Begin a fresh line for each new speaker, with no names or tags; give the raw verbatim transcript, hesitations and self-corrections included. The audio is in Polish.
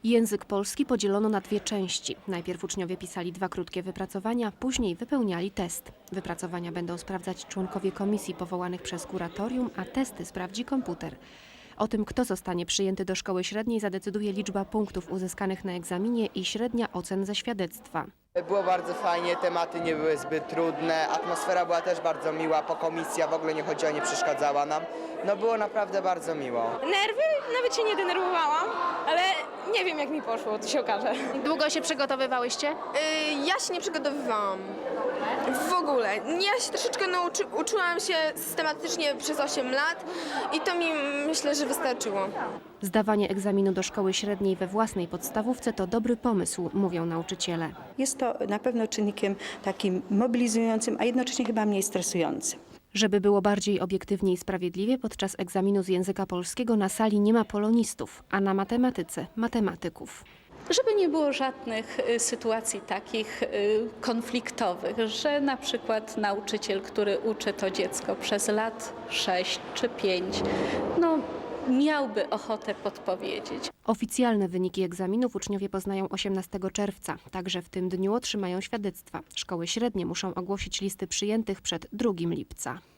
Język polski podzielono na dwie części. Najpierw uczniowie pisali dwa krótkie wypracowania, później wypełniali test. Wypracowania będą sprawdzać członkowie komisji powołanych przez kuratorium, a testy sprawdzi komputer. O tym, kto zostanie przyjęty do szkoły średniej, zadecyduje liczba punktów uzyskanych na egzaminie i średnia ocen ze świadectwa.
Było bardzo fajnie, tematy nie były zbyt trudne, atmosfera była też bardzo miła, po komisja w ogóle nie chodziła, nie przeszkadzała nam. No było naprawdę bardzo miło.
Nerwy? Nawet się nie denerwowałam, ale nie wiem jak mi poszło, to się okaże.
Długo się przygotowywałyście?
Y, Ja się nie przygotowywałam. W ogóle. Ja się troszeczkę nauczy, uczyłam się systematycznie przez osiem lat i to mi myślę, że wystarczyło.
Zdawanie egzaminu do szkoły średniej we własnej podstawówce to dobry pomysł, mówią nauczyciele.
Jest to na pewno czynnikiem takim mobilizującym, a jednocześnie chyba mniej stresującym.
Żeby było bardziej obiektywnie i sprawiedliwie, podczas egzaminu z języka polskiego na sali nie ma polonistów, a na matematyce matematyków.
Żeby nie było żadnych y, sytuacji takich y, konfliktowych, że na przykład nauczyciel, który uczy to dziecko przez lat sześć czy pięć, no, miałby ochotę podpowiedzieć.
Oficjalne wyniki egzaminów uczniowie poznają osiemnastego czerwca. Także w tym dniu otrzymają świadectwa. Szkoły średnie muszą ogłosić listy przyjętych przed drugim lipca.